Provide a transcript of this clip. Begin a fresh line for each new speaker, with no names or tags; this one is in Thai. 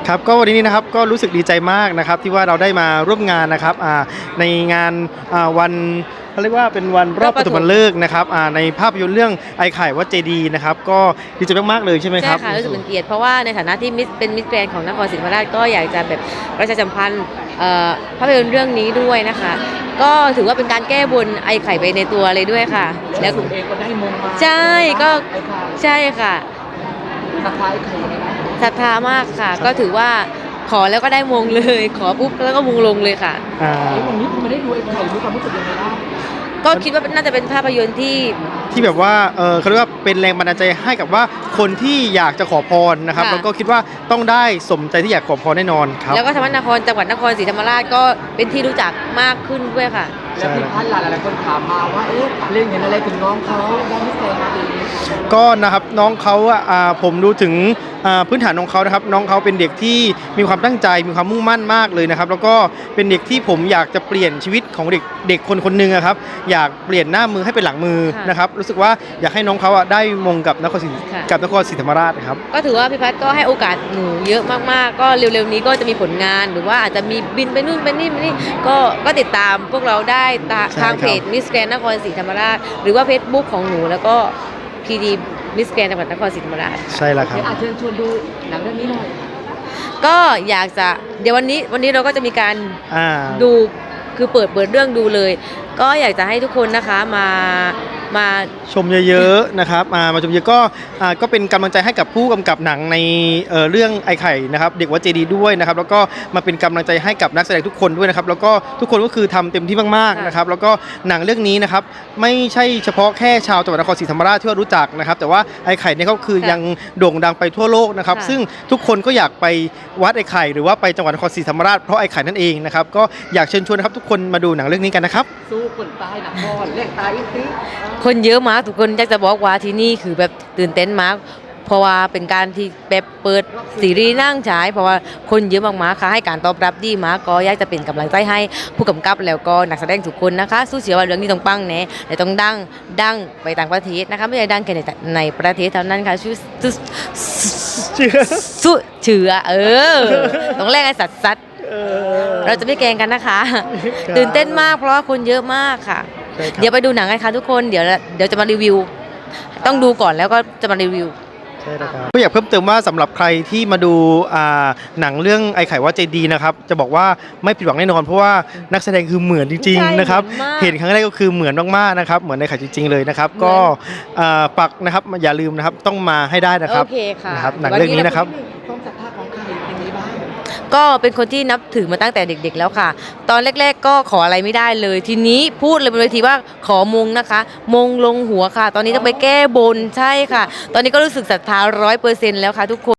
ครับก็วันนี้นะครับก็รู้สึกดีใจมากนะครับที่ว่าเราได้มาร่วมงานนะครับในงานวันเขาเรียกว่าเป็นวันรอบปฐมฤกษ์นะครับในภาพยนตร์เรื่องไอไข่วัดเจดีย์นะครับก็ดีใจมากๆเลยใช่ไหมครับ
ใช่ค่ะรู้สึกเป็นเกียรติเพราะว่าในฐานะที่เป็นมิสแกรนด์ของนครศรีธรรมราชก็อยากจะแบบประชาสัมพันธ์ภาพยนตร์เรื่องนี้ด้วยนะคะก็ถือว่าเป็นการแก้บนไอไข่ไปในตัวเลยด้วยค่ะ
แล้วคุณเองก็ได้มงมา
ใช่ก็ใช่ค่ะ
ศรัทธาไอ้ไข่ยังไงบ้าง
ศรัทธามากค่ะก็ถือว่าขอแล้วก็ได้มงเลยขอปุ๊บแล้วก็มงลงเลยค่ะ
วันนี้คุณไม่ได้ดูไอ้ไข่มีความรู้สึกยังไงบ้าง
ก็คิดว่าน่าจะเป็นภาพยนตร์
ที่แบบว่าเขาเรียกว่าเป็นแรงบันดาลใจให้กับว่าคนที่อยากจะขอพรนะครับแล้วก็คิดว่าต้องได้สมใจที่อยากขอพรแน่นอนครับ
แล้วก็ทำให้นครจังหวัดนครศรีธรรมราชก็เป็นที่รู้จักมากขึ้นด้วยค่ะ
แล้วพี่พัฒน์หลายคนถามมาว่าเล่นเห็นอะไรถึงน้องเขาได้พิเศษมาดี
ก็นะครับน้องเขาผมดูถึงพื้นฐานของเขานะครับน้องเขาเป็นเด็กที่มีความตั้งใจมีความมุ่งมั่นมากเลยนะครับแล้วก็เป็นเด็กที่ผมอยากจะเปลี่ยนชีวิตของเด็กคนหนึ่งครับอยากเปลี่ยนหน้ามือให้เป็นหลังมือนะครับรู้สึกว่าอยากให้น้องเขาได้มงกับนครศรีธรรมราชครับ
ก็ถือว่าพี่พัฒน์ก็ให้โอกาสหนูเยอะมากๆก็เร็วๆนี้ก็จะมีผลงานหรือว่าอาจจะมีบินไปนู่นไปนี่ก็ติดตามพวกเราได้ทางเพจมิสแกรนด์นครศรีธรรมราชหรือว่าเฟซบุ๊กของหนูแล้วก็พีดีมิสแกรนด์จังหวัดนครศรีธรรมราช
ใช่แล้วครับ
เชิญชวนดูหนังเรื่องนี้หน่อย
ก็อยากจะเดี๋ยววันนี้เราก็จะมีการดูคือเปิดเรื่องดูเลยก็อยากจะให้ทุกคนนะคะมา
ชมเยอะๆนะครับมาชมเยอะก็เป็นกำลังใจให้กับผู้กำกับหนังในเรื่องไอไข่นะครับเด็กวัดเจดีย์ด้วยนะครับแล้วก็มาเป็นกำลังใจให้กับนักแสดงทุกคนด้วยนะครับแล้วก็ทุกคนก็คือทำเต็มที่มากๆนะครับแล้วก็หนังเรื่องนี้นะครับไม่ใช่เฉพาะแค่ชาวจังหวัดนครศรีธรรมราชที่ว่ารู้จักนะครับแต่ว่าไอไข่เนี่ยก็คือยังโด่งดังไปทั่วโลกนะครับซึ่งทุกคนก็อยากไปวัดไอไข่หรือว่าไปจังหวัดนครศรีธรรมราชเพราะไอไข่นั่นเองนะครับก็อยากเชิญชวนนะครับทุกคนมาดูหนังเรื่องนี้กันนะครับ
สู้คนตายหนักบอลเล่นตายอีกที
คนเยอะมากทุกคนอยากจะบอกว่าที่นี่คือแบบตื่นเต้นมากเพราะว่าเป็นการที่แบบเปิดซีรีส์นั่งฉายเพราะว่าคนเยอะมากๆค่ะให้การตอบรับดีมากก็อยากจะเป็นกำลังใจให้ผู้กำกับแล้วก็นักแสดงทุกคนนะคะสู้เสียว่าเรื่องนี้ต้องปังแน่แต่ต้องดังไปต่างประเทศนะคะไม่ใช่ดังแค่ในประเทศเท่านั้นค่ะสู้เชื่อต้องแลกให้สัดเราจะไม่แกล้งกันนะคะตื่นเต้นมากเพราะว่าคนเยอะมากค่ะเดี๋ยวไปดูหนังกันค่ะทุกคนเดี๋ยวจะมารีวิวต้องดูก่อนแล้วก็จะมารีวิว
ใช่นะครับก็อยากเพิ่มเติมว่าสำหรับใครที่มาดูหนังเรื่องไอไข่วัดเจดีย์นะครับจะบอกว่าไม่ผิดหวังแน่นอนเพราะว่านักแสดงคือเหมือนจริงๆนะครับเห็นครั้งแรกก็คือเหมือนมากๆนะครับเหมือนในไข่จริงๆเลยนะครับก็ปักนะครับอย่าลืมนะครับต้องมาให้ได้นะครับ
โอเคค่ะ
หนังเรื่องนี้นะครับ
ความศรัทธาของใครเป็นไงบ้าง
ก็เป็นคนที่นับถือมาตั้งแต่เด็กๆแล้วค่ะตอนแรกๆก็ขออะไรไม่ได้เลยทีนี้พูดเลยบนเวทีว่าขอมงนะคะมงลงหัวค่ะตอนนี้ต้องไปแก้บนใช่ค่ะตอนนี้ก็รู้สึกศรัทธา100%แล้วค่ะทุกคน